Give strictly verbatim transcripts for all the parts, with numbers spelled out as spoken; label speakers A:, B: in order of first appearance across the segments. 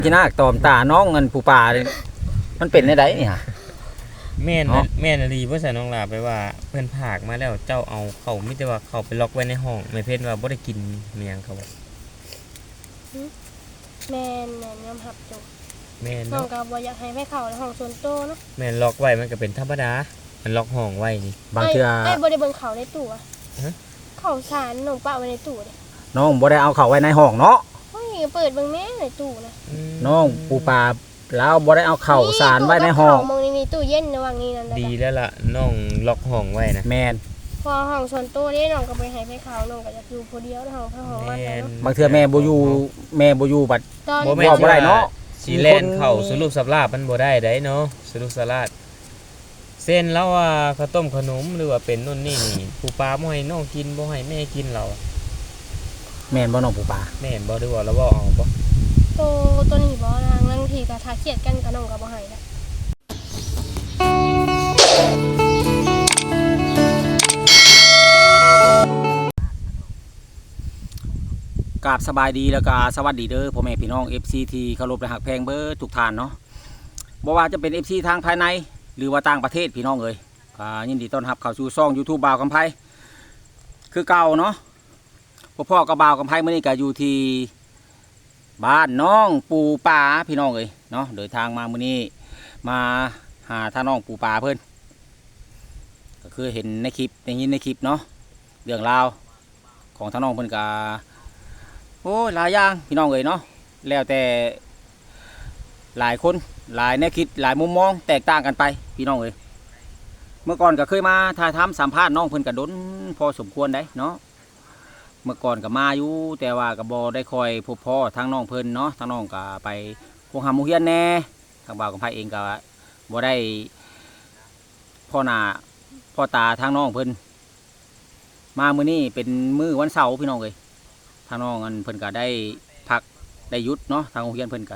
A: ที่นาตอมตาน้องเงินผู้ป่ามันเป็นได้ไดนี่ฮะ
B: แม่นแม่นดีบ่ใส่น้องลาไปว่าเพิ่นผากมาแล้วเจ้าเอาเขามีแต่ว่าเขาไปล็อกไว้ในห้องแม่เพชรว่าบ่ได้กินเมียงเขาบ่
C: แม่นแม่นยอมรับจุ
B: แม่น
C: น้อง
B: เนาะ
C: ก็บ่อยากให้ไปเข้าในห้องส่วนตัวเนาะ
B: แม่นล็อกไว้มันก็เป็นธรรมดามันล็อกห้องไว้นี่
A: บางเทื่อ
C: ไอ้บ่ได้เบิ่งเขาในตู้อะเขาสารน้องป้าไว้ในตู้เด้
A: น้องบ่ได้เอาเข้าไว้ในห้องเนาะ
C: เฮ้ยเปิดเบิ่งแม่ในตู้นะ
A: น้องผู้ป่าแล้วบ่ได้เอาเข้าสารไว้ในห้อง
C: มองนี่ตู้เย็นระหว่างนี้นั่น
B: ดีแล้วล่ะน้องล็อกห้องไว้นะ
A: แม่น
C: พอห้องส่วนตัวนี่น้องก็ไปให้ไปเข้าน้องก็อยากอยู่ผู้เดียวในห้องพระห้องมันเนาะ
A: บางเทื่อแม่บ่อยู่แม่บ่อยู่บัด
B: บ่
A: แม่บ่ได้เนาะ
B: สิแล่นเข้าสรุปสับลาบมันบ่ได้ได้เนาะสรุปสลาดเส้นแล้วว่าข้าวต้มขนมหรือว่าเป็นนู่นนี่นี่ผู้ปลาบ่ให้น้องกินบ่ให้แม่กินเรา
A: แม่นบ่น้องผู้ป่า
B: แม่นบ่ได้ว่าแล้วบ่เอาบ่
C: โตตัวนี้บ่นางบางทีก็ถ้าเครียดกันก็น้องก็บ่ให้ละ
A: กราบสบายดีแล้วก็สวัสดีเด้อพ่อแม่พี่น้อง เอฟ ซี ที่เคารพและฮักแพงเบิดทุกท่านเนาะบ่ว่าจะเป็น เอฟ ซี ทางภายในหรือว่าต่างประเทศพี่น้องเอ้ยก็ยินดีต้อนรับเข้าสู่ช่อง YouTube บ่าวกำไพคือเก่าเนาะพ่อพ่อกับบ่าวกำไพมื้อนี้ก็อยู่ที่บ้านน้องปูป่าพี่น้องเอ้ยเนาะเดินทางมามื้อนี้มาหาท่าน้องปูป่าเพิ่นก็คือเห็นในคลิปได้ยินในคลิปเนาะเรื่องราวของท่าน้องเพิ่นก็โอ้หลายอย่างพี่น้องเอ้ยเนาะแล้วแต่หลายคนหลายแนวคิดหลายมุมมองแตกต่างกันไปพี่น้องเอ้ยเมื่อก่อนก็เคยมาถ่ายทำสัมภาษณ์น้องเพิ่นก็ดนพอสมควรได้เนาะเมื่อก่อนก็มาอยู่แต่ว่าก็บ่ได้คอยพบพ่อทางน้องเพิ่นเนาะทางน้องก็ไปโรงหาหมู่เฮียนแน่ทางบ่าวกับไผเองก็บ่ได้พ่อหน้าพ่อตาทางน้องเพิ่นมามื้อนี้เป็นมื้อวันเสาร์พี่น้องเอ้ยทางน้องอันเพิ่นก็ได้พักได้หยุดเนาะทางโรงเรียนเพิ่นก็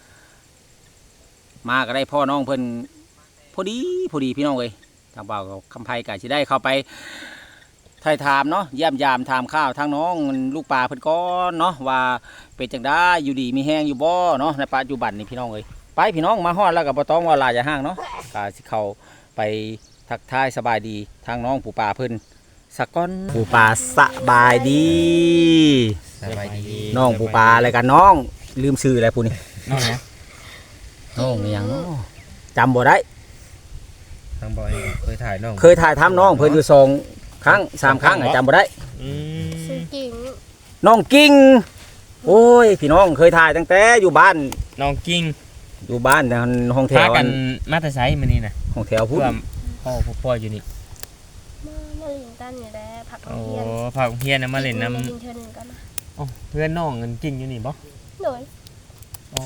A: มาก็ได้พ่อน้องเพิ่นพอดีพอดีพี่น้องเอ้ยทางบ่าวกับคำไพก็สิได้เข้าไปถ่ายถามเนาะเยี่ยมยามถามข้าวทางน้องลูกปลาเพิ่นก่อนเนาะว่าเป็นจังได๋อยู่ดีมีแฮงอยู่บ่เนาะในปัจจุบันนี่พี่น้องเอ้ยไปพี่น้องมาฮอดแล้วก็บ่ต้องว่าหลายอย่าห่างเนาะก็สิเข้าไปทักทายสบายดีทางน้องปู่ปลาเพิ่นสักก้อนปูปลาสบายดี
B: สบายดี
A: น้องปูปลาอะไรกันน้องลืมชื่ออะไรพูนี่
B: น้องนะ
A: น้องอย่างน้องจำบ่ได้
B: ทางบอยเคยถ่ายน้อง
A: เคยถ่ายทำน้องเพิ่นอยู่สองครั้งสามครั้งจำบ่ได้
C: ชื่อกิ่ง
A: น้องกิ่งโอ้ยพี่น้องเคยถ่ายตั้งแต่อยู่บ้าน
B: น้องกิ่ง
A: อยู่บ้านห้องแถว
B: กันมาแต่ไซมื้อนี้น่ะ
A: ห้องแถวพุ่น
B: พ่อพ่ออยู่นี่
C: มาเล่นกันนี่แหละผัก
B: โอ้ผักเพียนนะมาเล่นน้ำอ๋อเพื่อนน้องเงินกิ่งอยู่นี่บ่
C: โดย
B: อ๋อ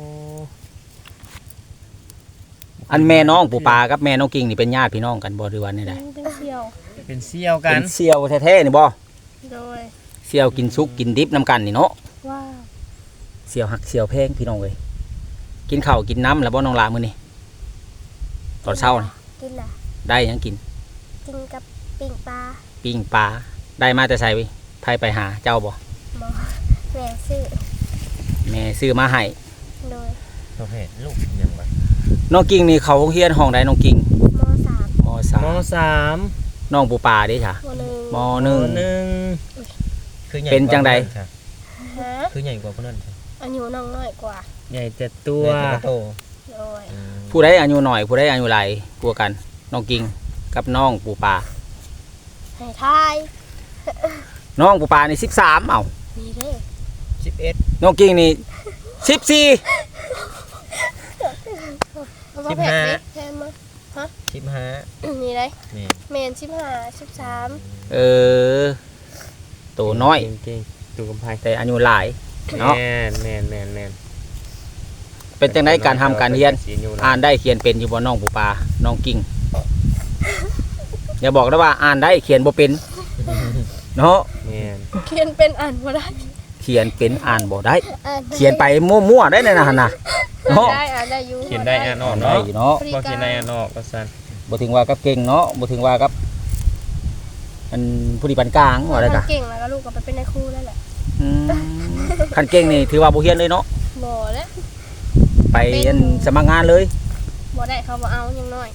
A: อันแม่น้องปูปลากับแม่น้องกิ่งนี่เป็นญาติพี่น้องกันบ่หรือว่านี่ได้
C: เป็นเสี่ยว
B: เป็นเสี่ยวกัน
A: เป็นเสี่ยวแท้ๆนี่บ่
C: โดย
A: เสี่ยวกินซุกกินดิบน้ำกันนี่เนาะ
C: ว้า
A: เสี่ยวหักเสี่ยวแพงพี่น้องเอ้ยกินข้าวกินน้ำแล้วบ่น้องลามื้อนี้ตอนเช้านี่
C: กินล่ะ
A: ได้ยังกิน
C: กินกับปิ้งปลา
A: ปิ้งปลาได้มาแต่ใส่ไว้ไผไปหาเจ้าบ่
C: บ่แม่ซื้อ
A: แม่ซื้อมาให้
C: โดย
B: ประเภทลูกยังไง
A: น้องกิ่งนี่เขาเฮียนห้องใดน้องกิ่ง
C: ม.สาม
A: ม.สาม
B: ม.สาม
A: น้องปูปลาเด้จ้ะม.หนึ่ง
B: ม.หนึ่ง
A: เป็นจังใด
B: คือใหญ่กว่าคนนั้น
C: อายุน้องน้อยกว่า
B: ใหญ่แต่ตัวโต
C: โดย
A: ผู้ใดอายุน้อยผู้ใดอายุหลายกว่ากันน้องกิ่งกับน้องปูปลา
C: ให้ทาย
A: น้องปูปลานี่สิบสามเอ้า
C: นี่เด้
B: สิบเอ็ด
A: น้องกิ่งนี่สิบสี่
B: สิบห้า
C: แทนมาฮะ
B: สิบห้า
C: นี่เลยเมนสิบห้าสิบสาม
A: เออตัวน้อย
B: เก่งๆตัวกำไพ
A: แต่อายุหลายเนาะ
B: แม่นแม่นแม่นแม่น
A: เป็นจังได๋การทำการเรียนอ่านได้เขียนเป็นอยู่บ่น้องปูปลาน้องกิ่งอย่าบอกนะว่าอ่านได้เขียนบ่เป็นเนาะ
B: แม่น
C: เขียนเป็นอ่านบ่ได้
A: เขียนเป็นอ่านบ่ได้เขียนไปมั่วๆได้ในนั้นน่ะ
C: เนาะได้อ่านได้อยู่
B: เขียนได้อ่านออกเนาะเนาะบ่เขียนได้อ่านออกก็ซั่น
A: บ่ถึงว่ากับเก่งเนาะบ่ถึงว่ากับอันผู้ดีปานกลางว่าได้กะ
C: เก่งแล้วก็ลูกก็ไปเป็นนายครูแล้วแหละ
A: อืมคันเก่งนี่ถือว่าบ่เฮียนเลยเนาะ
C: บ่แล้ว
A: ไปอันสมัครงานเลย
C: บ่ได้เขาบ่เอายังน้อย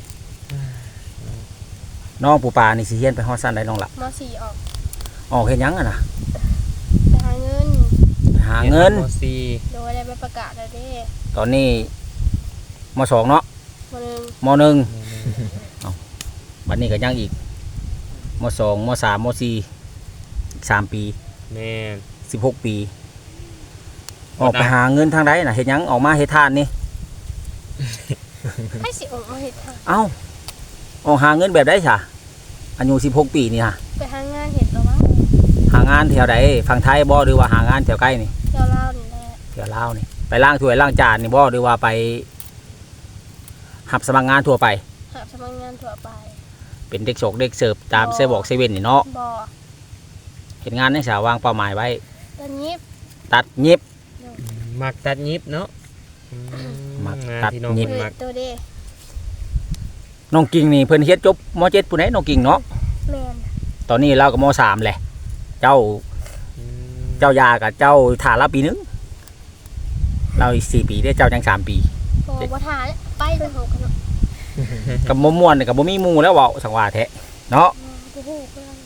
A: น้องปูปลานี่สิเฮียนไปฮอดสั้นได้น้องล่ะ
C: ม .สี่ ออก
A: ออกเฮ็ดหยังอ่ะนะ
C: ไปหาเงิน
A: หาเงิน
B: มสี่
C: โดยได้ไปประกาศแล้วเด้
A: ตอนนี้มสองเนาะ
C: มื้อนึง
A: มหนึ่งบัดนี้ก็ยังอีกมสองมสามมสี่อีกสามปี
B: แม่น
A: สิบหกปี ออกไปหาเงินทางใดน่ะเฮ็ดหยังออกมาเฮ็ดทานนี่
C: ให้สิออกมาเฮ็ดทาง
A: เอ้าออกหาเงินแบบใดซะอายุสิบหกปีนี่ฮะ
C: ไปหางานเฮ็ดแล้วว่า
A: หางานแถวใดฝั่งไทยบ่หรือว่าหางานแถวใกล้นี่
C: เจ้าเล่าวนี่แหละ
A: แถวลาวนี่ไปล้างถ้วยล้างจานนี่บ่หรือว่าไปหับสมัครงานทั่วไป
C: หาสมัครงานทั่วไป
A: เป็นเด็กโศกเด็กเสิร์ฟตามเซบอกเซเว่นนี่เนาะ
C: บ่
A: เห็นงานในสาวางเป้าหมายไว้
C: ตอนนี้
A: ตัดเย็บ
B: มักตัดยิบเนาะอื
A: มัก
B: งาน
A: ตัด
B: ที่น้อง
A: ยิบ
B: เพิ่น
C: เปิ
B: มั
C: ด
B: ก
C: ตัวเด้
A: น้องกิ่งนี่เพิ่นเฮ็ดจบมเจ็ดผู้ใดน้องกิ่งเนาะ
C: แม่น
A: ตอนนี้เราก็มสามแหละ เจ้า
B: อืม
A: เจ้ายากับเจ้าฐานละปีหนึงเราอีกสี่ปีได้เจ้าจังสามปี
C: บ่บ่ทาไปเลยเฮากันเนาะ
A: กับมม่วนกับบ่มีหมู่แล้วเว้าสังว่าแท้เนาะ
C: บ่ฮู้เพิ่น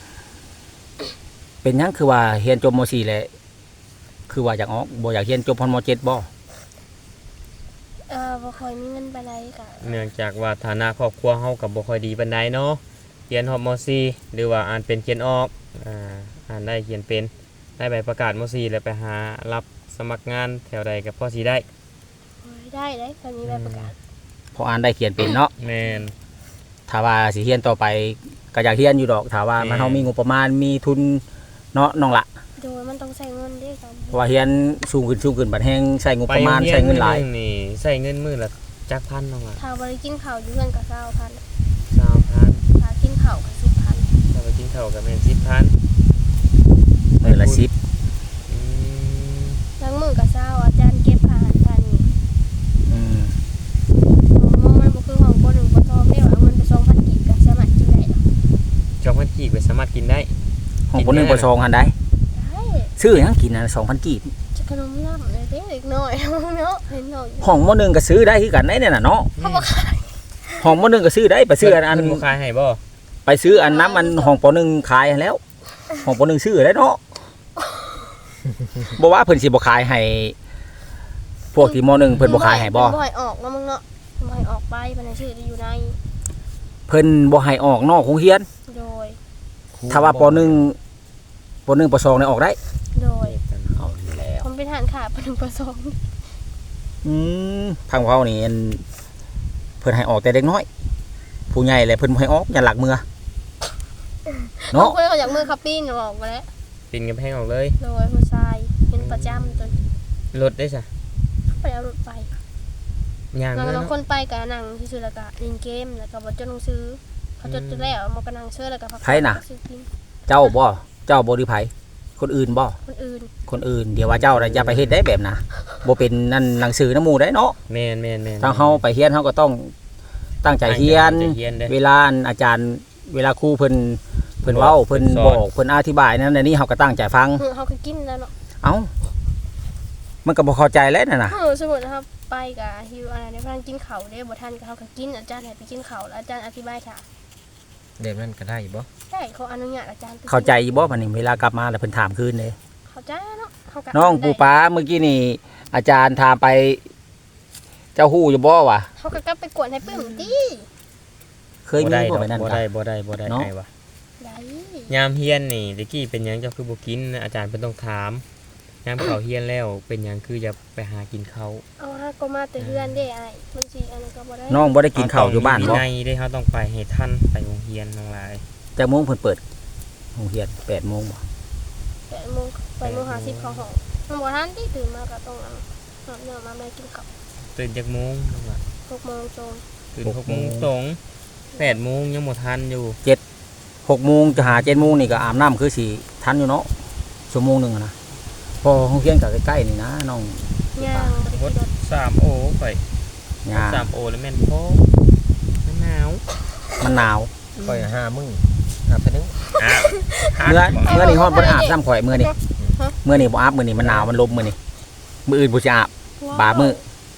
A: เป็นหยังคือว่าเรียนจบมสี่แหละคือว่าอยากออกบ่อยากเรียนจบพอนมเจ็ดบ่
C: เอ่อบ่ค่อยมีเงินปานใดก็
B: เนื่องจากว่าฐานะครอบครัวเฮากับบ่ค่อยดีปานใดเนาะเรียนฮอบมสี่หรือว่าอ่านเป็นเขียนออกอ่าอ่านได้เขียนเป็นได้ใบประกาศมสี่แล้วไปหารับสมัครงานแถวใดก็พอสิได้
C: โอ้ยได้ได้ตอนนี้ได้ประกาศ
A: พออ่านได้เขียนเป็นเนาะ
B: แม่น
A: ถ้าว่าสิเรียนต่อไปก็อยากเรียนอยู่ดอกถ้าว่ามัน
B: แม่
A: เฮามีงบประมาณมีทุนเนาะน้องละ
C: โดยมันต้องใช้เงินเด้ครับ
A: เพราะว่าเรียนสูงขึ้นสูงขึ้นบัดแฮงใช้งบ
B: ไป
A: ประมาณ
B: โรงรีย
A: ใช้เงินหลาย
B: มื้อนี่ใช้เงินมื้อละจักพันน้องล่ะ
C: ถ้าบ่ได้กินข้าวอยู่เฮือนก็เก้าพัน
B: สามพัน
C: ถ้ากินข้าวก็สิบพัน
B: ถ้าไปกินข้าวก็แม่นสิบพัน
A: มื้อละสิบ
B: อืม
C: ล้างมือก็เช้าอาจารย์เก็บอาหารทานนี่
A: อืม
C: ของมันบ่คือของบ่หนึ่งบ่ทอมได้ว่าเอาเงินไปสองพันกีบก็สามารถกินได้ดอก
B: จองพันกีบไปสามารถกินได้
A: ห้องปหนึ่งปสองหันได้
C: ได้
A: ซื้อหยังกินน่ะสองพันกีบ
C: จะขนมน้ำเลยเด้เล็กน้อยเนาะเห็นน้อย
A: ห้องมหนึ่งก็ซื้อได้คือกันได้เนี่ยน่ะเนาะ
C: เขาบ่ขาย
A: ห้องมหนึ่งก็ซื้อได้ไปซื้ออันอัน
B: เพิ่บ่ขายให้บ่
A: ไปซื้ออันน้ำอันห้องปหนึ่งขายแล้ว ห้องปหนึ่งซื้อได้เนาะบ่ว่าเพิ่นสิบ่ขายให้พวกที่มหนึ่งเพิ่นบ่ขายให้บ่
C: เพิ่นบ่ให้ออกเนาะมึงเนาะบ่ให้ออกไปมันให้ชื่อที่อยู่ใน
A: เพิ่นบ่ให้ออกนอกโรงเรียน
C: โดย
A: ถ้าว่าปหนึ่งปหนึ่งปสองเนี่ยออกได้
C: โดย
A: เอาแล้ว
C: ผมเป็นทหารขาปหนึ่งปสอง
A: อืมทางเขานี่อันเพิ่นให้ออกแต่เด็กน้อย ผู้ใหญ่แหละเพิ่นบ่ให้ออกอย่าหลักมือ
C: เนาะ
A: เนาะ
C: คนเขาอยากมือคับปีนออกมาแล้ว
B: ปินกำแพงออกเลย
C: โดยผู้ชายเป็นประจำจน
B: รถได้ซะ
C: ไปเอารถไป
B: ย่าง
C: แล้ว
B: เมื่อ
C: เรา
B: เนาะ
C: คนไปกับหนังที่สุดแล้วก็เล่นเกมแล้วก็บอจดหนังสือเขาจดจนแล้วมากระนังเชื่อแล้วก็พักซื้อกิน
A: เจ้าบ่เจ้าบ่หรือไผคนอื่นบ่
C: คนอื่น
A: คนอื่นเดี๋ยวว่าเจ้าน่ะอย่าไปเฮ็ดได้แบบน่ะบ่เป็นนั่นหนังสือน้ำหมู่ได้เนาะ
B: แม่นแม่นแม่น
A: ทางเฮาไปเรียนเฮาก็ต้องตั้งใจเรียน
B: ตั้งใจเรียนเด้อ
A: เวลาอาจารย์เวลาครูเพิ่นเพิ่นเว้าเพิ่น
B: สอน
A: บอกเพิ่นอธิบายนั่นอันนี้เฮาก็ตั้งใจฟัง
C: เออเขาก็กินแล้วเนาะ
A: เอ้ามันก็บ่เข้าใจแล้วนั่นน่ะ
C: เออสมมตินะครับไปกับฮิวอะไรในพนันกินเขาได้บ่ทันก็เขาก็กินอาจารย์ให้ไปกินเขาแล้วอาจารย์อธิบายค่ะ
D: แบบนั้นก็ได้บ่
C: ใช่เขาอนุญาตอาจารย์ไปกิน
A: เข้าใจอยู่บ่บัดนี้เวลากลับมาแล้วเพิ่นถามคืนเด้
C: เข้าใจเนาะเขาก็
A: น้องปูป้าเมื่อกี้นี่อาจารย์ถามไป เจ้าฮู้อยู่บ่วะ
C: เขาก็กลับไปกวนให้ปื้มตี
A: เคยมี
B: ได้
A: บ่ไปนั่น
B: บ่
A: กัน
B: ได้บ่ได้บ่ได้
A: เนาะ
B: ไอ้วะ
C: ได้
B: ยามเฮียนนี่ตะกี้เป็นหยังเจ้าคือบ่กินอาจารย์เพิ่นต้องถามยามเขาเฮียนแล้วเป็นหยังคืออย่าไปหากินเขาว
C: เอาฮะก็มาแต่เฮือนได้ไอ้มันสิอันนั้นก็บ่ได้
A: น้องบ่ได้กินข้าวอยู่บ้าน
B: เร
A: บ่
B: ต้องมีวินัยได้เขาต้องไปให้ทันไปโรงเรียนทั้งหลาย
A: จักโมงเพิ่นเปิดโรงเรียนแปดโมงบ่
C: แปดโมงแปดโมงห้าสิบเข้าห้องมันบ่ทันที่ตื่นมาก็ต้องเอาอาบน้ำมาแม่กินข้าว
B: ตื่นจักโมงน้องล่ะ
C: หกโมงตรง
B: ตื่นหกโมงตรงแปดโมงยังบ่ทันอยู่
A: หกโมงจะหาเจ็ดโมงนี่ก็อาบน้ำคือสิทันอยู่เนาะชั่วโมงหนึงอะนะพอโรงเรียนก็ใกล้ๆนี่นะน้อง
C: ย่างบ่ได้
B: ร
C: กิ
B: ถ
C: นรถ
B: สามโอไป
A: ย่า
B: สามโอแล้วแม่นพอมันหนาว
A: มันหนาว
D: ค่อยห้ามื้ออาบไปนึง
B: อ่ะ
A: เมื่อเมื่อนี่ฮอดบ่ได้อาบซ้ำข่อยเมื่อนี่เมื่อนี่บ่อาบมื้อนี่มันหนาวมันลมมื้อนี่มื้ออื่นบ่สิอาบ บามื้อ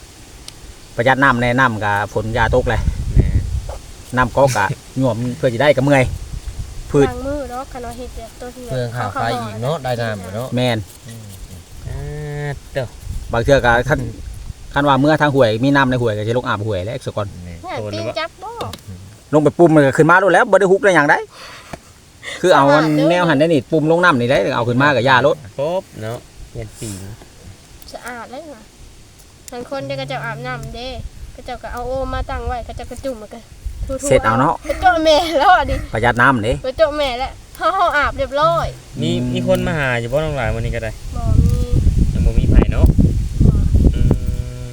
A: ประหยัดน้ำแน่น้ำกับฝนยาตกเลย
B: แม่
A: น้ำก๊อกอะหน่วมเพื่อจะได้กับเมื่อยพืช
C: ล้างมือเนาะคันว่าเฮ็ดแบบตัวที่
D: เพื่องข้าวไฟอีกเนาะได้น้ำเนาะ
A: แมน
D: อืม
B: อ่าเด้อบ
A: างเทื่อก็คันคันว่าเมื่อทางห่วยมีน้ำในห่วยก็จะลงอาบห่วยแล้วสก่อน
D: แม่
C: เนี่ยตีนจับบ่
A: ลงไปปุ่มมันก็ขึ้นมาโลดแล้วบ่ได้ฮุกได้หยังได้ คือเอามันแนวหันได้นี่ปุ่มลงน้ำนี่ได้เอาขึ้นมากับยารถ
B: ครบเนาะเฮียนปีน
C: สะอาดเลยค่ะบางคนเดี๋ยวก็จะอาบน้ำเด้ก็เจ้าก็เอาโอมาตั้งไว้ก็จะกระจุ่มมันก็ทั่วๆ
A: เสร็จเอาเนาะ
C: ไปเจาะแม่แล้วอ่ะดิ
A: ประหยัดน้ำเด้
C: ไปเจาะแม่แล้วเฮาเฮาอาบเรียบร้อย
B: มีมีคนมาหาอยู่บ่น้องหลายวันนี้ก็ได้
C: บ่มี
B: ยังบ่มีไผเนาะ
C: บ่
B: อืม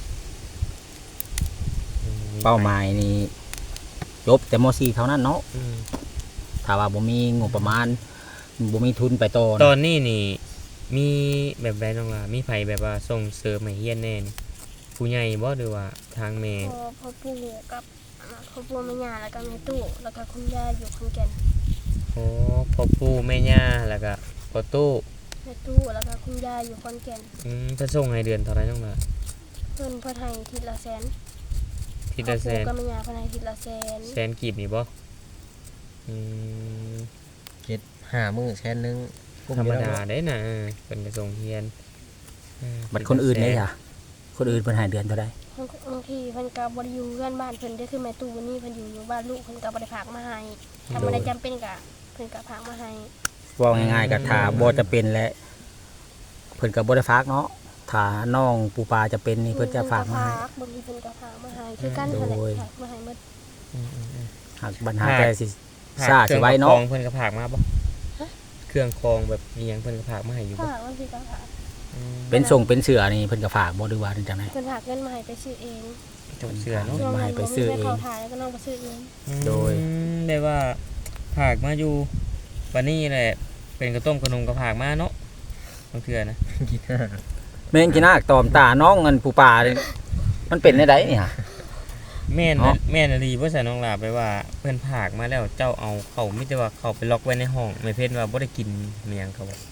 A: เป้าหมายนี่จบแต่ม .สี่ เท่านั้นเนาะ
B: อืม
A: ถ้าว่าบ่มีงบประมาณบ่มีทุนไปต่อ
B: ตอนนี้นี่มีแบบใดน้องหลามีไผแบบว่าส่งเสริมให้เฮียนแน่นี่ผู้ใหญ่บ่หรือว่าทางแม่
C: พอพอปู่กับครอบครัวแม่ย่าแล้วก็แม่ตู้แล้วก็คุณย่าอยู่ขอนแก่น
B: โอ้พ่อปู่แม่ย่าแล้วก็พ่อตู้
C: แม่ตู้แล้วก็คุณย่าอยู่ขอนแก่น
B: อืมจะส่งให้เดือนเท่าไหร่น้องหลา
C: เพิ่นเพิ่นให้ทีละแสน
B: ทีละแสน
C: ครอบครัวกับแม่ย่าเพิ่นให้ทีละแสน
B: แสนกีบนี่บ่อืม
D: เจ็ดห้ามื้อแสนหนึงกุ้
B: ธรรม
D: เยว
B: ดา
D: เนาะ
B: ได้นะเออเป็นกระทรวงเฮียนอ่า
A: บัดคนอื่นเด้ค่ะคนอื่นเพิ่นให้เดือนเท่าใด
C: บางทีเพิ่นก็บ่ได้อยู่เพื่อนบ้านเพิ่นได้อคือแม่ตู้วันนี้เพิ่นอยู่อยู่บ้านลูกเพิ่นก็บ่ได้ฝากมาให้ถ้าบ่ได้จำเป็นก็เพิ่นก็ฝากมาให้
A: เว่าง่ายๆก็ถ้าบ่จะเป็นและเพิ่นก็บ่ได้ฝากเนาะถ้าน้องปูปลาจะเป็นนี่เพิ่นจะฝากมาให้
C: บางทีเพิ่นก็ฝากมาให้คือกันนั่นแหละ
A: โดย
C: ฝากมาให้หมด
B: อืมอืมอืม
A: หากปัญหาแต่สิ
B: ผาก
A: ซ่าสิไว้เนาะ
B: ครื่องคองเพิ่นก็ผากมาบ่เครื่องคองแบบมีหยังเพิ่นก็ผากมาให้อยู่บ่
C: ฝากบางทีก็ฝาก
B: อืม
A: เป็นส่งเป็นเสือนี่เพิ่นก็ฝากบ่หรือว่าจังได๋
C: เพิ่นฝากเงินมาให้ไปซื้อเอง
B: จงเชื่อเนาะ
A: พิ่นมาให้ไปซื้อเอง
C: น้บ่มีงินเข้าถ่ายแล้วก็น้องไปซื้อเอง
A: โดย
B: อืมได้ว่าผากมาอยู่วันนี้แหละเป็นกระต้มขนมก็ผากมาเนาะบางเทื่อนะ
D: กินห้า
A: แม่งกินหน้าตอมตาน้องเงินปูปลานี่มันเป็นได้ไดนี่ฮะ
B: แม่น
A: เนาะ
B: แม่นอลีบ่ใส่น้องลาไปว่าเพิ่นผากมาแล้วเจ้าเอาเขามีแต่ว่าเขาไปล็อกไว้ในห้องไม่เพิ่นว่าบ่ได้กินเมียงเขาบอก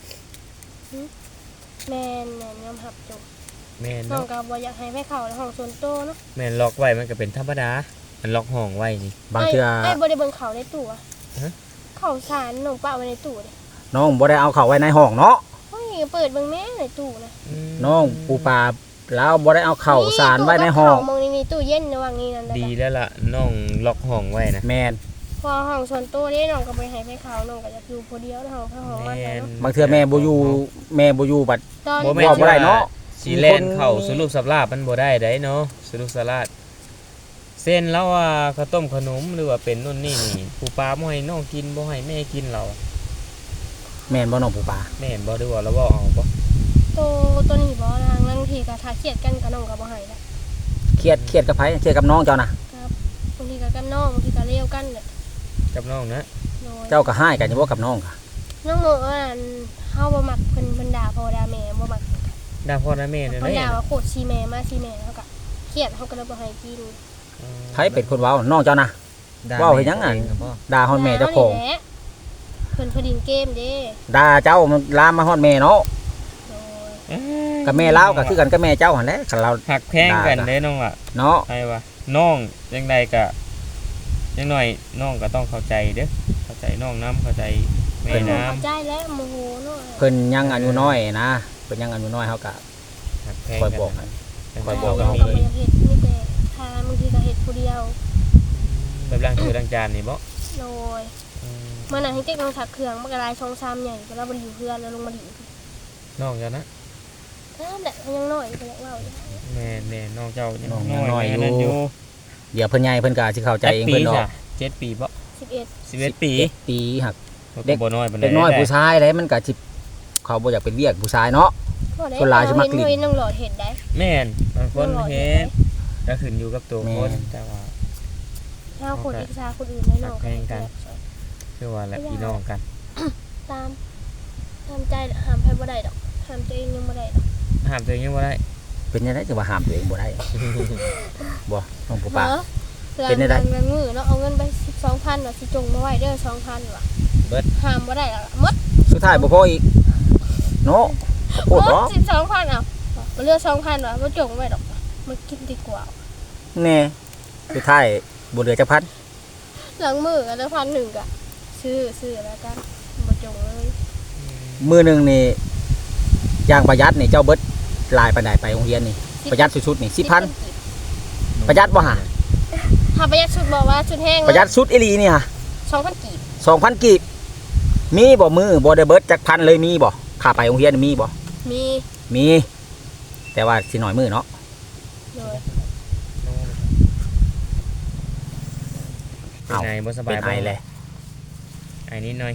C: แม่นแม่นยอมรับจบ
B: แม่น
C: น้อง
B: เนาะ
C: ก็บ่อยากให้ไปเข้าในห้องส่วนตัวเนาะ
B: แม่นล็อกไว้มันก็เป็นธรรมดามันล็อกห้องไว้นี่
A: บางเทื่อ
C: ไอ้บ่ได้เบิ่งเขาในตู้อะ
B: ฮะ
C: เขาสารน้องป้าไว้ในตู้เด้
A: น้องบ่ได้เอาเข้าไว้ในห้องเนาะ
C: เฮ้ยเปิดเบิ่งแม่ในตู้นะ
B: ม
A: น้องปูปลาแล้วบ่ได้เอาเข้าสารไว้ในห้อง
C: ตู้กับข้าวมองนี่นี่ตู้เย็นระหว่างนี้นั่น
B: ดี
C: แหละ
B: แล้วล่ะน้องล็อกห้องไว้นะ
A: แม่น
C: พอห้องส่วนตัวนี่น้องก็บ่ให้ไปเข้าน้องก็อยากอยู่ผู้เดียวในห้องเพราะห้องมัน
B: แม่น
C: เนาะ
A: บางเทื่อแม่บ่อยู่แม่บ่อยู่บัด
C: ตอน
B: บ่
A: แม่ บ่ได้เนาะ
B: สีแลนเข้าสรุปสับลาบมันบ่ได้ได้เนาะสรุปสลาดเส้นแล้วว่าข้าวต้มขนมหรือว่าเป็นนู่นนี่นี่ผู้ปลาบ่ให้น้องกินบ่ให้แม่กินเรา
A: แม่นบ่น้องปูปลา
B: แม่นบ่ได้ว่าเราบ่เอาบ่
C: ตัวตัวนี้บ่นางบางทีก็ถ้าเครียดกันก็น้องก็บ่ให้ละ
A: เครียดเครียดกับไผเครียดกับน้องเจ้าน่ะ
C: ครับบางทีก็กับน้องบางทีก็เลี้ยวกันแหละ
B: กับน้องนะ
C: โดย
A: เจ้าก็ให้กันอยู่บ่กับน้องค่ะ
C: น้องโมว่าอันเฮาบ่มักเพิ่นเพิ่นด่าพ่อด่าแม่บ่มัก
B: ดาพ่อดาแม่เนี่ย
C: เพิ่น
B: นะ
C: ด่าว่าโคตรชีแม่มาชีแม่เฮาก็เครียดเฮาก็เลยบ่ให้กิน
A: ไผเป็นคนเว้าน้องเจ้าน่ะ
D: ด่
A: ว่าวเฮ็ดหยังอะ
D: เกับพ่อ
A: ด่าฮอดแม่เจ้าของ
C: ด่นี่แหละเพิ่นเพนดินเกมเด้
A: ด่าเจ้ามันลามมาฮอดแม่เนาะ
C: โดย
B: เอ้ย
A: กับแม่เล่าก็คือกันกับแม่เจ้าหั่นแหละคันเรา
B: หักแพงกันเด้น้องล่ะ
A: เนาะ
B: ใช่ปะน้องยังไงก็ยังหน่อยน้องก็ต้องเข้าใจเด้อเข้าใจน้องน้ำเข้าใจแม่
C: เพิ่นบ่
B: น้
C: เข้าใจแล้วโมโหเนาะ
A: เพิ่นยังอายุน้อยนะเพิ่นยังอายุน้อยเฮาก็
B: ำหักแพง
A: คอย
B: กัน
A: บอกให้
B: นะ
A: คอยบอก
C: แต่
B: ก็
C: เรา
B: มี
C: ก็บ่อยากเฮ็ดมีแต่ทางบางทีก็เฮ็ดผู้เดียว
B: แบบล้างคือล้างจานนี่บ่
C: โดย
B: อืม
C: เมื่อนั้นให้เจ๊กลงถักเครื่องมันก็ลายช่องซ้ำใหญ่ก็แล้วบ่ได้อยู่เพื่อนแล้วลงมาดิ
B: น้องเจ้านะ
C: นั่นแหละมันยังน้อยก็อยากเว้าอยู่
B: แม่แม่น้องเจ้ายัง
A: น้องยังน้อย
B: แม่
A: อยู่
B: นั่นอยู่
A: เดี๋ยวเพิ่นใหญ่เพิ่นก็สิเข้าใจเอง
B: ปี
A: เพิ่นเนาะ
B: จ้ะเจ็ดปีบ่
C: สิบเอ็ด
B: สิบเอ็ดปี
A: ปีหัก
B: เด็กบ่น้อยปานใด
A: เด็กน้อย
B: ได้
A: ผู้ชายเด้มันก็สิเขาบ่อยากเป็นเวียกผู้ชายเนาะ
C: บ่ได้
A: คนหลายสิมักลิ้น
C: เห็นน้องหลอดเห็นได้
B: แม่นบางคน
C: น้องหลอด
B: เฮ็ดก็ขึ้นอยู่กับตัว
A: แม่
B: คนแต่ว่า
C: ถ้าคนอิจฉาคนอื่นได้น้อง
B: แข่งกัน คือว่าแหละพี่น้องกัน
C: ตามตามใจห้ามใครบ่ได้ดอกห้ามตัวเองยังบ่ได้ดอก
B: ห้ามตัวเองยังบ่ได้
A: เป็นยังไงจะว่าห้ามตัวเองบ่ได้ บ่น้องปูปลา
C: เออ
A: เป็นได้
C: หลังหลังมือเนาะเอาเงินไปสิบสองพันว่ะสิจงมาไว้เด้อสองพันว่ะ
B: เบิด
C: ห้ามบ่ได้ละหมด
A: สุดท้ายบ่พออีกเนาะโคตร
C: หม
A: เนาะ
C: ดสิบสองพันอ่ะบ่เหลือสองพันว่ะบ่จงไว้ดอกมากินดีกว่า
A: แน่สุดท้ายบ่เหลือจักพัน
C: หลังมือกันแล้วพันหนึ่งอะซื้อซื้อแล้วกันมาจงเลย
A: มื้อหนึงนี่อย่างประหยัดนี่เจ้าเบิดหลายปานใดไปโรงเรียนนี่ประหยัดสุดๆนี่สิบพันประหยัดบ่ฮะ
C: ถ้าประหยัดชุดบอกว่าชุดแห้ง
A: ประหยัดสุดอีหลีนี่ฮะ
C: สองพันกีบ
A: สองพันกีบมีบ่มือบ่ได้เบิดจักพันเลยมีบ่ค่าไปโรงเรียนมีบ่
C: มี
A: มี แต่ว่าสิน้อยมือเนาะ
C: เลย
B: เป็นไงบ่สบา
A: เป็
B: ย
A: นไอเลย
B: ไอนิดหน่อย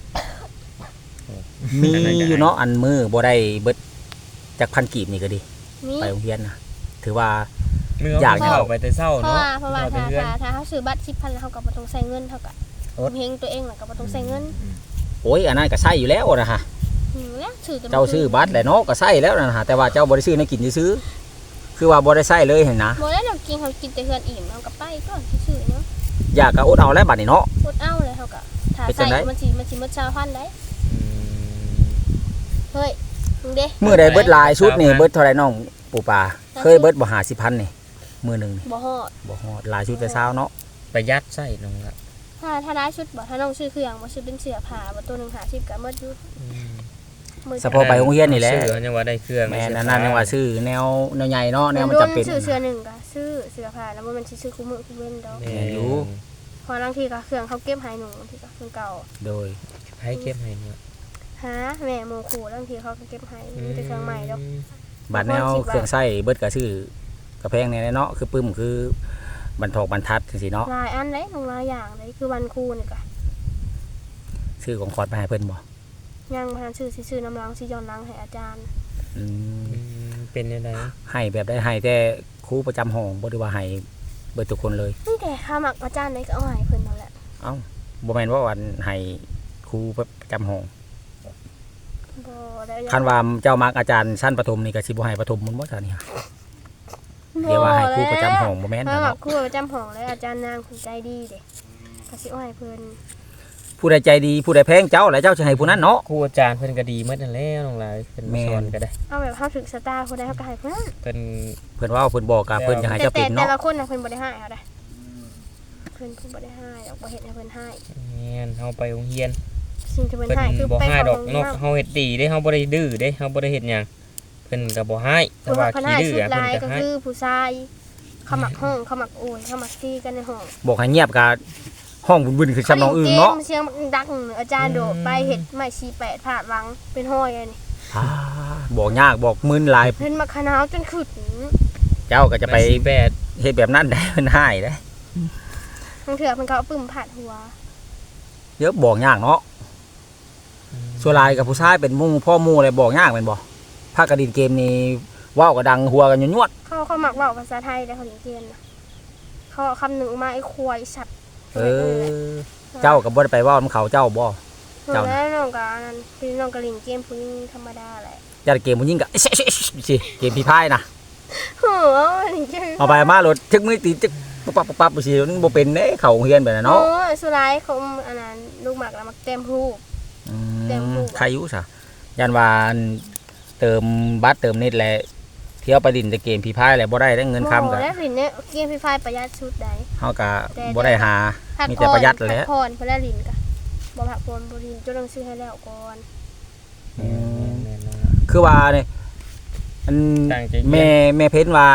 A: มีอยู่เนาะอันมือบ่ได้เบิดจักพันกีบนี่ก็ดี
C: มี
A: ไปโรงเรียนนะถือว่า
B: มือ
A: อยาก
B: เอาเข้าไปแต่เช้า
C: เพราะ
B: เนาะ
C: ว่าเพราะว่า
B: เข้าไป
C: ถ้า
B: เพื่อน
C: ถ้าถ้าเขาซื้อบัตรสิบพันแล้วเขาก็บ่ต้องใส่เงินเท่ากับเฮงตัวเองน่ะก็บ่ต้องใส่เงิน
A: โอ้ยอันนั้นก็ใช้อยู่แล้วนะฮะ
C: อืมแล้วซื้อแต่
A: เจ้าซื้อบัตรแหละเนาะก็ใช้แล้วนะฮะแต่ว่าเจ้าบ่ได้ซื้อในกินซื้อๆคือว่าบ่ได้ใช้เลยเห็นนะ
C: บ่ได้เรากินเขากินแต่เฮือนอิ่มเอากลับไปก่อนซื้อๆเนาะ
A: อยากก็อดเอาแล้วบัดนี้เนาะ
C: อดเอาเลยเขาก็ถ้า
A: เป็นจั
C: ใส่
A: งได๋
C: มันสิมันสิหมดชาวพันได้
B: อืม
C: เฮ้ยมึงเด้
A: มื้อใดเบิดหลายชุดนี่เบิดเท่าไหร่น้องปู่ปาเคยเบิดบ่ห้าสิบพันนี่มื้อหนึงนี่
C: บ่ฮอด
A: บ่ฮอดหลายชุดแต่เช้าเนาะ
B: ประหยัดใส่น้องละ
C: ถ้าถ้าได้ชุดบ่ถ้าน้องซื้อเครื่องบ่ซื้อเป็นเสื้อผ้าบ่ตัวหนึงห้าสิบก็หมดอยู่
B: อืม
C: มื้อ
A: เฉพาะไปโรงเรียนนี่แหละ
B: ซื้อยังว่าได้เครื่อง
A: แม่นอันนั้นยังว่าซื้อแนวแนวใหญ่เนาะแนวมันจำเป็น
C: ซื้อเสื้อหนึ่งก็ซื้อเสื้อผ้าแล้วบ่แมันสิซื้อคู่มือคู่เว้นดอก
B: แม่
A: แม่นอยู่
C: เพอบางทีก็เครื่องเขาเก็บให้หนูบางทีก็เครื่องเก่า
A: โดย
B: ให้เก็บให้เนี่ย
C: หาแม่โมขู่บางทีเขาก็เก็บให้มีแต่เครื่องใหม่ดอก
A: บัดแนวเครื่องใช้เบิดก็ซื้อกระแพงแน่เนาะคือปึ้มคือบรรทอกบรรทัดจังซี่เนาะ
C: หลายอันเลยลงหลายอย่างเลยคือวันครูนี่ก็
A: ซื้อของขวัญไปให้เพิ่นบ่
C: ยังพานซื้อสิซื้อน้ำล้างสิย้อนล้างให้อาจารย์
A: อืม
B: อืมเป็นยังไง
A: ให้แบบได้ให้แต่ครูประจำห้องบ่ได้ว่าให้เบิดทุกคนเลย
C: นี่แต่ข้ามักอาจารย์ได้ก็เอาให้เพิ่นนั่นแหละ
A: เอ้าบ่แม่นว่าวันให้ครูประจำห้อง
C: บ่ได้
A: คันว่าเจ้ามักอาจารย์ชั้นประถมนี่ก็สิบ่ให้ประถมมันบ่ซะนี่ฮะเดี๋ยวว่าให้ครูประจำห้องบ่แม่น
C: ข้า
A: นะ
C: มัก
A: เนาะ
C: ครูประจำห้องเลยอาจารย์นางผู้ใจดีเด้ก็สิเอาให้เพิ่น
A: ผู้ใดใจดีผู้ใดแพงเจ้าแล้วเจ้าจะให้ผู้นั้นเนาะ
B: ครูอาจารย์เพิ่นก็ดีหมดนั่นแหละน้องหลายเพิ่น
A: แม่
B: มาน สอนก็ได้
C: เอาแบบเฮาถึกสตาร์คนใดเฮาก็ให้เพิ่น
B: เพิ่น
A: เพิ่นเว่าเพิ่นบอกกับเพิ่นจะให้
C: แต่
A: เจ้า
C: แต่
A: เป็น
C: แต่
A: เนาะ
C: ละคนน่ะเพิ่นบ่ได้ให้เอาได้เพิ่นเพิ่นบ่ได้ให้ดอกบ่เฮ็ดให้เพิ่นให้
B: แม่นเฮาไปโรงเรียน
C: สิ่งที่เพิ่น
B: เพิ่น
C: ให้คือ
B: บ่
C: ไป
B: ให้
C: เข้า
B: ดอก
C: โรง
B: น
C: เรีย
B: ก
C: น
B: เฮาเฮ็ดดีเด้เฮาบ่ได้ดื้อเด้เฮาบ่ได้เฮ็ดหยังเพิ่นก็บ่ให้แต่
C: เพิ่น
B: ว่า
C: ว่าเพิ่น
B: ขี้
C: ให้
B: ดื้อ
C: ชุด
B: อะ
C: ลาย
B: เพิ่น
C: ก็
B: ก็ให้
C: คือผู้ชายเขามักห้องเขามักโอยเขามักตีกันในห้อง
A: บอกให้เงียบกับห้องบุญๆคือชำน้องอื่นเนาะ
C: เสียงมันดังอาจารย์โดดไปเฮ็ดไม้สี่แปดผาดหลังเป็นห้อยอันนี้
A: อ่าบอกยากบอกมึนหลาย
C: เพิ่นมาขนาวจนขึ้น
A: เจ้าก็จะไป
B: สิบแปด
A: เฮ็ดแบบนั้นได้มันให้ได้
C: บางเถื่อเพิ่นเขาเอาปึ้มผาดหัว
A: เยอะบอกยากเนาะส่วนหลายกับผู้ชายเป็นหมู่พ่อหมู่อะไรบอกยากแม่นบ่ภาคกระดินเกมนี้เว้าก็ดังหัวกันยวด
C: เขาเขามักเว้าภาษาไทยแล้วเขาเรียนเกณฑ์นะเขาเอาคำหนึ่งออกมาไอ้ควายสัตว์
A: ๆเออ เจ้าก็บ่ได้ไปเว้านำเขาเจ้าบ่ เจ้าน่ะ
C: แล้วน้องก็อันนั้นพี่น้องก็เล่นเกมผู้หญิงธรรมดาแหละ
A: จัดเกมผู้หญิงก็ สิเกมพี่พายนะ
C: โอ้ยนี่คือ
A: เอาไปมารถทึกมือตีจึกปุ๊บปั๊บปุ๊บปั๊บสิมันบ่เป็นเด้เข้าโรงเรียนแบบนั้น
C: โอ้
A: เนาะ
C: ยสุดท้ายเขาอันนั้นลูกหมากแล้วมักเต็มรูป
A: อื
C: เต็ม
A: ม
C: รูป
A: ใครอยู่ซะยันว่าอันเติมบัตรเติมเน็ตแหละเที่ยวไปดินแต่เกมพี่พายแหละบ่ได้ได้เงินคำ
C: โอ้
A: ก็
C: แล้วสิเนี่ยเกมฟรีไฟประหยัดสุดใด
A: เฮาก็บ่ได้หา
C: พัก
A: มีแต่ประหยัดแหละ
C: พักผ่อนเพื่อแล้วลินกะบ่พักผ่อนบ่ลินจนต้องซื้อให้แล้วก่อน
A: อืม
B: แม่นๆเนาะ
A: คือว่าเนี่ยอัน
B: ตั้งใจเรียน
A: แม่แม่เพ้นว่า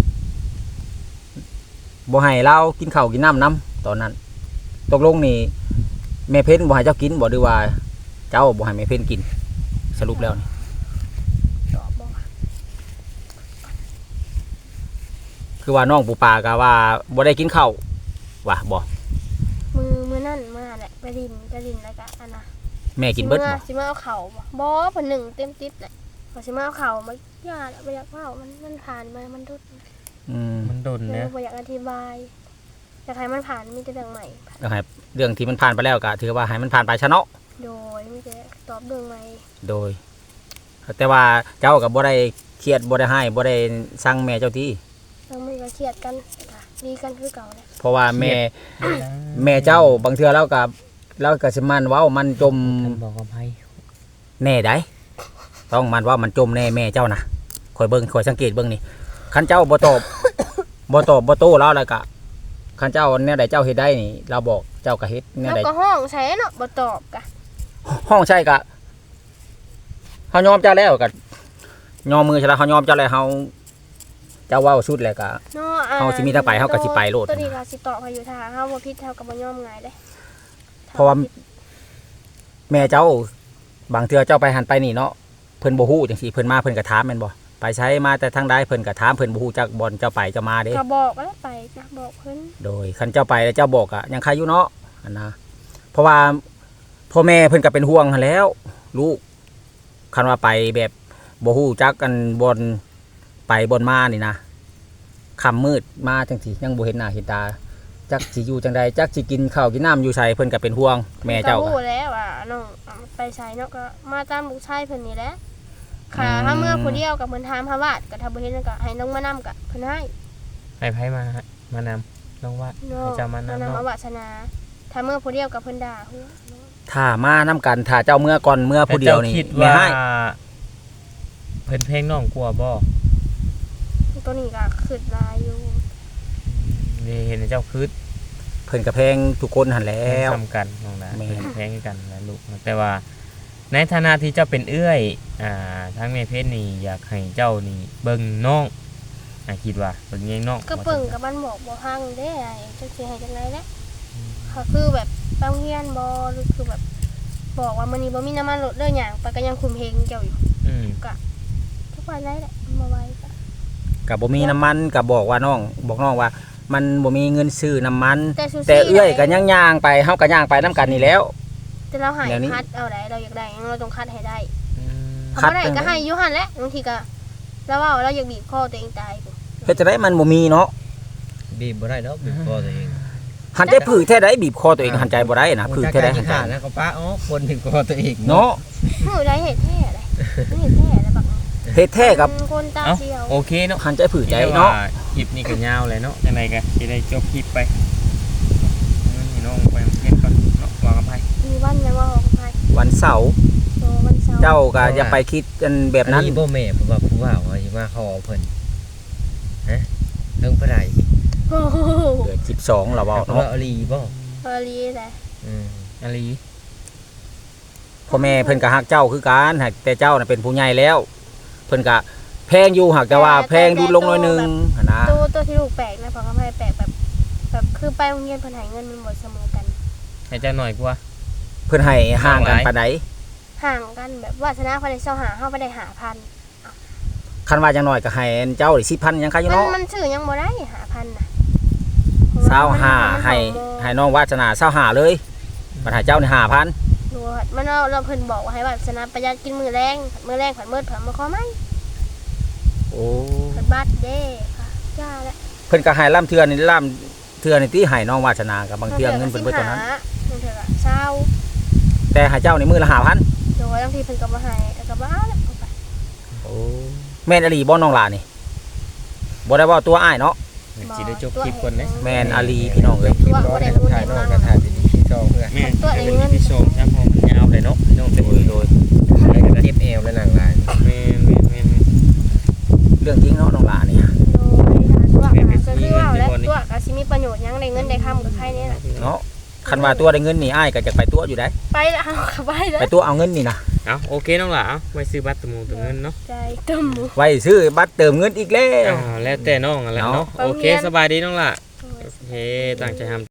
A: บ่ให้เรากินข้าวกินน้ำน้ำตอนนั้น ตกลงนี่แม่เพ้นบ่ให้เจ้ากินบ่หรือว่า เจ้าบ่ให้แม่เพ้นกิน สรุปแล้วนี่
C: ตอบบ่ว่า
A: คือว่าน้องปูปลาก็ว่าบ่ได้กินข้าวว่าบ่
C: มือมือนั่นมาแหละไปลินไปลินแล้วก็อันน่ะ
A: แม่กินเบิดบ่
C: สิมาเอาเข่าบ่บ่เพิ่นหนึ่งเต็มติดแหละพอสิมาเอาเข่ามาย่าแล้วบ่อยากเว้ามันมันผ่านมามันดุด
A: อืม
B: มันดน
C: เอ
B: นะ
C: อบ่อยากอธิบายอยากให้มันผ่านมีแต่เรื่องใหม่
A: ก็ให้เรื่องที่มันผ่านไปแล้วก็ถือว่าให้มันผ่านไปซะเนาะ
C: โดยมีแต่ตอบเรื่องใหม่
A: โดย แต่ว่าเจ้าก็บ่ได้เครียดบ่ได้ให้บ่ได้สั่งแม่เจ้าที่
C: ทั้งมือก็เครียดกันค่ะดีกันคือเก่าแหละ
A: เพราะว่าแม่แม่เจ้าบางเทื่อเราก็เราก็สิมันเว้ามันจม
B: ท่านบอกกับไผ
A: แน่ได้ต้องมันว่ามันจมแน่แม่เจ้านะคอยเบิ่งคอยสังเกตเบิ่งนี่คันเจ้าบ่ตอบ บ่ตอบบ่โต้เราแล้วก็คันเจ้าแนวใดเจ้าเฮ็ดได้นี่เราบอกเจ้าก็เฮ็ดแนว
C: แล้ว
A: ใด
C: ก็ห้องใช้เนาะบ่ตอบกะ
A: ห้องใช่ก็เฮายอมเจ้าแล้วก็ยอมมือใช่แล้วเฮายอมเจ้าแล้วเฮาเจ้าเว้าสุดแล้วก็
C: เนาะอ่
A: เฮาสิมีทางไปเฮาก็สิไปโลด
C: ตัวนี้ก็สิตอบให้อยู่ถ้าเฮาบ่ผิดเฮาก็บ่ยอมง่ายเด้
A: เพราะว่า แม่เจ้าบางเทื่อเจ้าไปหันไปนี่เนาะเพิ่นบ่ฮู้จังซี่เพิ่นมาเพิ่นก็ถามแม่นบ่ไปใช้มาแต่ทางใดเพิ่นก็ถามเพิ่นบ่ฮู้จักบ่อนเจ้าไปเจ้ามาเด้
C: ก็บอกแล้วไปจ้ะบอกเพิ่น
A: โดยคันเจ้าไปแล้วเจ้าบอกอะยังใครอยู่เนาะอันนะเพราะว่าพ่อแม่เพิ่นก็เป็นห่วงหั้นแหล้วลูกคันว่าไปแบบบ่ฮู้จักกันบนไปบนมานี่นะค่ำมืดมาจังซี่ยังบ่เห็นหน้าเห็นตาจักสิอยู่จังใดจักสิกินข้าวกินน้ำอยู่ไสเพิ่นก็เป็นห่วงแม่เจ้า
C: ก็
A: ก็
C: ฮู้แล้วว่าน้องไปใช้เนาะก็มาตามลูกชายเพิ่นนี่แหละค่ะ
A: อืม
C: ถ้าเมื่อผู้เดียวกับเพิ่นถามหาวาดก็ถ้าบ่เห็นก็ให้น้องมานำก็เพิ่นให้
B: ให้ไผมามานำน้องว่า
C: เนาะ
B: ให้เจ้ามานำ
C: นำ
B: เนาะ
C: เอาวาสนา ถ้าเมื่อผู้เดียวกับเพิ่นด่าหัว
A: ถ้ามานํกันถ้าเจ้าเมื่อก่อนเมื่อผู้เดียวนี่
B: แต่จ้าคิด
A: แม่
B: ว่า
A: ให้
B: เพิ่นเพลงน้องกลัวบ่
C: ตัวนี้ก็ขึ้นลายอยู่
B: นี่เห็นเจ้าคืด
A: เพิ่นก็แพงทุกคนหั่นแล้ว
B: ซ้ำกันน้องนะ
A: แม่
B: เพิ่นเพลงกันนะลูกแต่ว่าในฐานะที่เจ้าเป็นเอื้อยอ่าทั้งแม่เพชรนี่อยากให้เจ้านี่เบิ่งน้องอ่าคิดว่าเบิ่งแยงน้อง
C: ก็เปิ่งกับมันบอกบ่ฮังเด้ไอ้จังสิให้จังได๋แหละก็คือแบบไปโรงเรียนบ่หรือคือแบบบอกว่ามื้อนี้บ่มีน้ำมันรถเด้อหยังไปก็ยังคุมเพลงเจ้าอยู่
B: อืม
C: ทุกวันได้แหละมาไว้ก็
A: ก็บ่มีน้ำมันก็บอกว่าน้องบอกน้องว่า มันบ่มีเงินซื้อน้ำมัน
C: แต่ซูซี่
A: แต่เอื้อยก็ย่างย่างๆไปเฮาก็ย่างไปน้ำกันนี่แล้ว
C: แต่เราใหาย
A: เดี๋ยวนี้
C: คัดเอาได้เราอยากได้เราต้องคัดให้ได้
B: อืม
A: คั
C: เขา
A: ด
C: บ่ได้ก็ให้อยู่หั่นแหละบางทีก็แล้วว่าเราอยากบีบคอตัวเองตายพุ่น
A: เฮ็ดจะได้มันบ่มีเนาะ
D: บีบบ่ได้เนาะบีบคอตัวเอง
A: หันใจผือแท้ใดบีบคอตัวเองหันใจบ่ได้นะผือแท้ใดหันใจ
D: ขาแล้วก็ป้าอ๋อคนถึงคอตัวเอง
A: เนาะ
C: มือได้เห็ดแท้เลยเห็ดแท้แล้วบัก
A: เฮ็ดแท้กับ
C: คนตา
B: เอ้า
C: เสียว
B: โอเคเนาะ
A: หันใจผือใจเนาะ
B: คลิปนี้ก็ยาวเลยเนาะจังไดก็สิได้จบคลิปไปงั้นให้น้องไปโรงเรียนก่อนเนาะวางกับไผ
C: มีวันยังว่าของใคร
A: วันเสาร์
C: โตวันเสาร์
A: เจ้าก็อย่าไปคิดกันแบบนั้น
D: อับ่แม่เพราะว่าผู้ว่าว่าสิมาขอเพิ่นฮะเรื่องผู้ใด
C: โอ้โห
A: เดือนสิบสองเราเว้า
D: เพราะ
A: เนาะ
D: ว่าอลีบ่
C: เอรีเลย
D: อืม
B: อาลี
A: พ่อแม่เพิ่นก็ฮักเจ้าคือกันหากแต่เจ้าน่ะเป็นผู้ใหญ่แล้ว เพิ่นก็แพงอยู่หากแต่ว่าแพงดูลงหน่อยหนึงหันนะ
C: ตัวตัวที่ลูกแปลกนะเพราะเขาให้แปลกแบบแบบคือไปโรงเรียนเพิ่นให้เงินมันหมดเสมอกัน
B: ให้เจ้าหน่อยกว่า
A: เพิ่นให้ห่างกันปานใด
C: ห่างกันแบบวาสนาเขาได้เช่าหาเฮาบ่ได้หาพัน
A: คันว่าจังน้อยก็ให้เจ้าได้สิบพันยังใครอยู่
C: มัน
A: เนาะ
C: มันซื้อยังบ่ได้หาพันน่ะ
A: เศร้าห้าให้ให้น้องวาสนาเศร้าห้าเลยบัดให้เจ้านี่ห้าพัน
C: ดูว่ามันเราเราเพิ่นบอกว่าให้วาสนาประหยัดกินมื้อแรงมื้อแรงผัดมื้อผัดมาขอไหม
A: โอ้
C: ผัดบัตรเด้ค่ะย่าแล้ว
A: เพิ่นก็ให้ล่ำเทือนี่ล่ำเทือนี่ที่ให้น้องวาสนากับบางเทือเงินเพิ่นเบิดเท่านั้น
C: บางเทื่อก็เช้า
A: แต่ให้เจ้าในมือละห้าพัน
C: โดยบางทีเพิ่นก็บ่ให้แล้วก็บ่เอาแล้วเอาไป
A: โอ้แม่นอลีบ่น้องหลานี่บ่ได้เว่าตัวอ้ายเนาะ
B: สิได้จบคลิปก่อนเด้
A: แม่นอลีพี่น้องเอ้ย
C: ตัวบ่ได้รู้
D: ถ่า
C: ได้
D: ยนอ
C: มาก
D: ก็ถ่ายดีๆที่จองเพื่อ
B: แม่แต่เป็นที่ชมช่างพอมันยาวเลยเนาะพี่น้อง
A: โดยโดย
D: เจ็บเอวและหนังลาย
B: แม่นแม่นแม่น
A: เรื่องจริงเนาะน้องหลานี่
C: โดยตัวก็คือว่าแล้วตัวก็สิมีประโยชน์หยังได้เงินได้คำกับใครเนี่ยน่ะ
A: เนาะคันว่าตัวได้เงินนี่อ้ายก็จะไปตัวอยู่ได้
C: ไปแล้วเอาเข้าไปแล้ว
A: ไปตัวเอาเงินนี่นะ
B: เอาโอเคน้องหล่ะเอาไว้ซื้อบัตรตะมูตะเงินเนาะ
C: ใจตึม
A: ไว้ซื้อบัตรเติมเงินอีกแล้ว
B: อ่าแล้วแต่น้องอะไรเนาะ
C: เนาะ
B: โอเคสบายดีน้องหล่ะโอเคตั้งใจทำ